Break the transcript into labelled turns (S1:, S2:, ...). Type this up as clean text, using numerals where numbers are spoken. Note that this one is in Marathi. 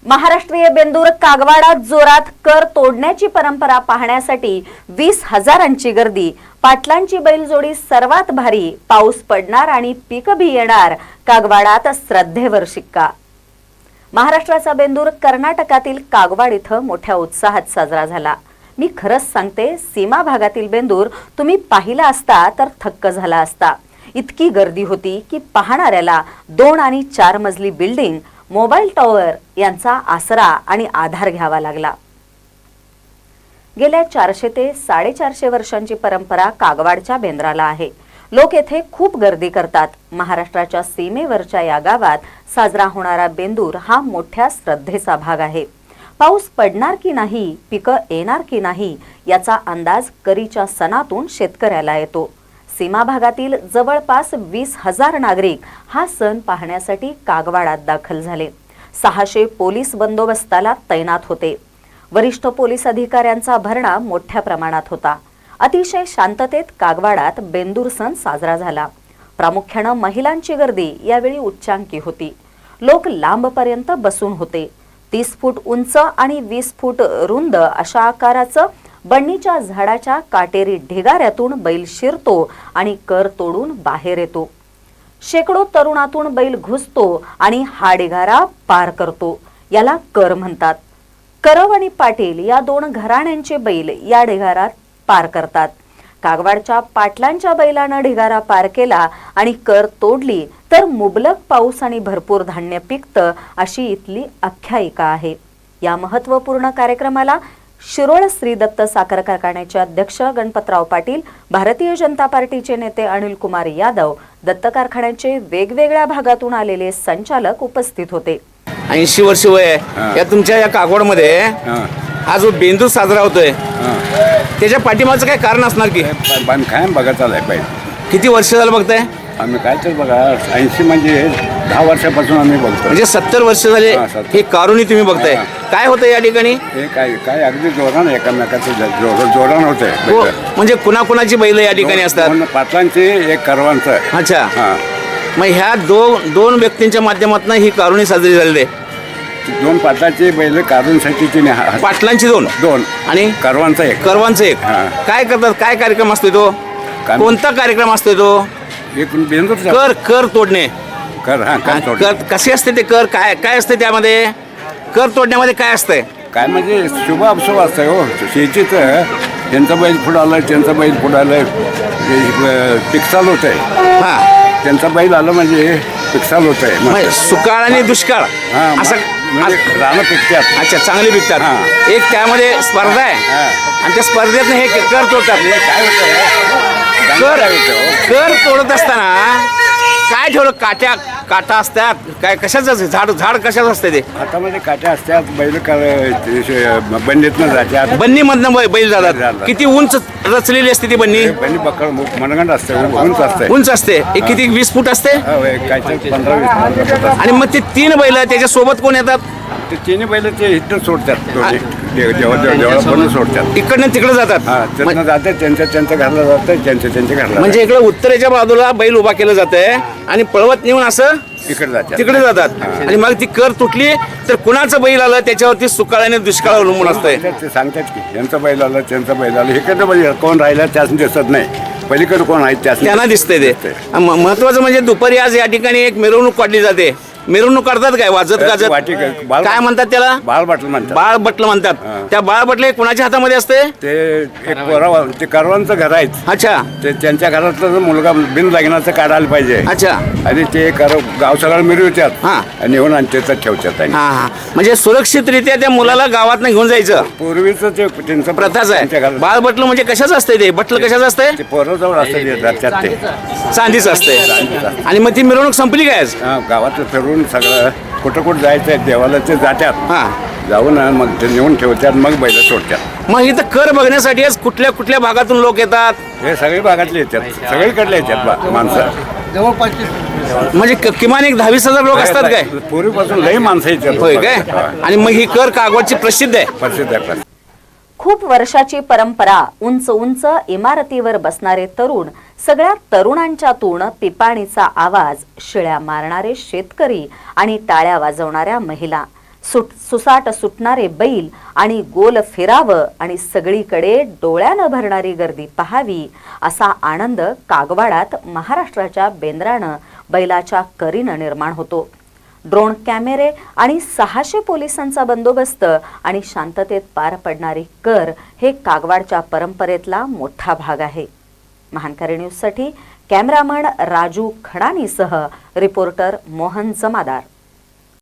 S1: महाराष्ट्रीय बेंदूर कागवाडात जोरात कर तोडण्याची परंपरा पाहण्यासाठी 20,000ची गर्दी। पाटलांची बैलजोडी सर्वात भारी, पाऊस पडणार आणि पीक बी येणार, कागवाडात श्रद्धेवर शिक्का। महाराष्ट्राचा बेंदूर कर्नाटकातील कागवाड इथं मोठ्या उत्साहात साजरा झाला। मी खरंच सांगते, सीमा भागातील बेंदूर तुम्ही पाहिला असता तर थक्क झाला असता। इतकी गर्दी होती की पाहणाऱ्याला 2 आणि 4 मजली बिल्डिंग, मोबाईल टॉवर यांचा आसरा आणि आधार घ्यावा लागला। गेल्या 400 ते 450 वर्षांची परंपरा कागवाडच्या बेंद्राला आहे। लोक येथे खूप गर्दी करतात। महाराष्ट्राच्या सीमेवरच्या या गावात साजरा होणारा बेंदूर हा मोठ्या श्रद्धेचा भाग आहे। पाऊस पडणार की नाही, पिकं येणार की नाही याचा अंदाज करीच्या सणातून शेतकऱ्याला येतो। सीमा भागातील जवळपास 20,000 नागरिक हा सण पाहण्यासाठी कागवाडात दाखल झाले। 600 पोलीस बंदोबस्ताला तैनात होते। वरिष्ठ पोलीस अधिकाऱ्यांचा भरणा मोठ्या प्रमाणात होता। अतिशय शांततेत कागवाडात बेंदूर सण साजरा झाला। प्रामुख्याने महिलांची गर्दी यावेळी उच्चांकी होती। लोक लांबपर्यंत बसून होते। 30 फूट उंच आणि 20 फूट रुंद अशा आकाराचं बन्नीच्या झाडाच्या काटेरी ढिगाऱ्यातून बैल शिरतो आणि कर तोडून बाहेर येतो। शेकडो तरुणातून बैल घुसतो आणि हा ढिगारा पार करतो। याला कर म्हणतात। करव आणि पाटील या 2 घराण्यांचे बैल या ढिगारात पार करतात। कागवाडच्या पाटलांच्या बैलानं ढिगारा पार केला आणि कर तोडली तर मुबलक पाऊस आणि भरपूर धान्य पिकतं, अशी इथली आख्यायिका आहे। या महत्त्वपूर्ण कार्यक्रमाला शिरोळ श्री दत्त साखर कारखान्याचे अध्यक्ष गणपतराव पाटील, भारतीय जनता पार्टीचे नेते अनिल कुमार यादव, दत्त कारखान्याचे वेगवेगळ्या भागातून आलेले संचालक उपस्थित होते।
S2: 80 वर्ष वय आहे या तुमच्या या कागवाडमध्ये हा जो बेंदूर साजरा होतोय त्याच्या पाठीमागचं काय कारण असणार की?
S3: बांधकाम बघा चालय पाहिजे।
S2: किती वर्ष झालं बघताय?
S3: आम्ही काय तर बघा 80 म्हणजे 10 वर्षापासून आम्ही बघतो।
S2: म्हणजे 70 वर्ष झाले हे कारुणी तुम्ही बघताय। काय होतं या ठिकाणी?
S3: हे काय अगदी जोरानं एकामेकाचं जोरानं होतंय।
S2: म्हणजे कुणाकुणाची बैल या ठिकाणी असतात?
S3: 2 पाटलांची, 1 करवांचं।
S2: अच्छा, मग ह्या दोन व्यक्तींच्या माध्यमातून ही कारुणी साजरी झालेली आहे।
S3: 2 पाटलांची बैल कारूंसाठी
S2: पाटलांची 2 आणि
S3: करवांचा 1।
S2: करवांचं 1। काय करतात? काय कार्यक्रम असतो तो? कोणता कार्यक्रम असतो तो?
S3: बेंदूर
S2: कर तोडणे।
S3: कर
S2: कसे असते ते कर? काय असते त्यामध्ये? कर तोडण्यामध्ये काय असतंय?
S3: काय म्हणजे शुभ अशुभ असतंय हो। शेतीचं त्यांचा बैल फुडालाय, त्यांचा बैल फुडालाय, पिकसाल होत आहे। त्यांचा बैल आलं म्हणजे पिकसाल होत आहे।
S2: सुकाळ आणि दुष्काळ असं
S3: रानं पिकतात।
S2: अच्छा, चांगली पिकतात। एक त्यामध्ये स्पर्धा आहे आणि त्या स्पर्धेत हे कर तोडतात।
S3: काय होतं
S2: कर तोडत असताना काय ठेवलं? काटा असतात काय? कशाचं झाड कशाचं असतं ते?
S3: हातामध्ये काट्या असतात। बैल बंडीतनं जातात।
S2: बन्नीमधनं बैल जातात। किती उंच रचलेली असते ती बन्नी?
S3: बन्नी बकळ मनगंड असते,
S2: उंच असते। किती 20 फूट असते?
S3: काय 15-20 फूट।
S2: आणि मग ते 3 बैल त्याच्या सोबत कोण येतात?
S3: ते 3 बैल ते इथं सोडतात, देवळापर्यंत सोडतात।
S2: इकडनं तिकडे जातात।
S3: तिकडनं जातात, त्यांच्या घरला जातात, त्यांच्या घरला।
S2: म्हणजे इकडे उत्तरेच्या बाजूला बैल उभा केलं जातंय आणि पळवत नेऊन असं तिकडे जातात। आणि मग ती कर तुटली तर कुणाचं बैल आलं त्याच्यावरती सुकाळ आणि दुष्काळ अवलंबून असतंय।
S3: ते सांगतात की यांचा बैल आलं, त्यांचा बैल आलं। इकडे बैल कोण राहिला त्याच दिसत नाही, पलीकडे कोण आहे त्यांना
S2: दिसतंय ते। महत्वाचं म्हणजे दुपारी आज या ठिकाणी एक मिरवणूक काढली जाते। मिरवणूक काढतात काय? वाजत गाजत काय म्हणतात त्याला?
S3: बाळबटलं म्हणतात।
S2: बाळबटलं म्हणतात। त्या बाळबटले कुणाच्या हातामध्ये असते?
S3: ते करवांचं घर आहेत।
S2: अच्छा,
S3: ते त्यांच्या घरातला मुलगा बिन लग्नाचं काढायला पाहिजे।
S2: अच्छा,
S3: आणि ते गाव सगळं मिरवतात आणि येऊन आणि त्याचं ठेवतात।
S2: म्हणजे सुरक्षितरित्या त्या मुलाला गावात घेऊन जायचं
S3: पूर्वीच ते त्यांचं
S2: प्रथाच आहे। बाळबटलं म्हणजे कशाचं असतंय ते? बटलं कशाचं असतंय?
S3: ते पोराजवळ असतं, ते
S2: चांदीच असते। आणि मग ती मिरवणूक संपली काय?
S3: गावात फिरून सगळं कुठं जायचंय देवाला ते जातात, जाऊन मग ते नेऊन ठेवतात, मग बैल सोडतात।
S2: मग इथं कर बघण्यासाठी कुठल्या भागातून लोक येतात?
S3: हे सगळे भागातले येतात, सगळीकडले येतात माणसं।
S2: म्हणजे किमान एक 10-20 लोक असतात काय?
S3: पूर्वीपासून लई माणसं येतात।
S2: होय काय? आणि मग ही कर कागवाडची प्रसिद्ध आहे।
S3: प्रसिद्ध आहे।
S1: खूप वर्षाची परंपरा। उंच उंच इमारतीवर बसणारे तरुण, सगळ्या तरुणांच्यातून पिपाणीचा आवाज, शिळ्या मारणारे शेतकरी आणि टाळ्या वाजवणाऱ्या महिला, सुसाट सुटणारे बैल आणि गोल फिरावं आणि सगळीकडे डोळ्यानं भरणारी गर्दी पाहावी असा आनंद कागवाडात महाराष्ट्राच्या बेंद्रानं बैलाच्या करीनं निर्माण होतो. ड्रोन कॅमेरे आणि 600 पोलिसांचा बंदोबस्त आणि शांततेत पार पडणारी कर हे कागवाडच्या परंपरेतला मोठा भाग आहे. महानकारी न्यूजसाठी कॅमेरामन राजू खडानीसह रिपोर्टर मोहन जमादार.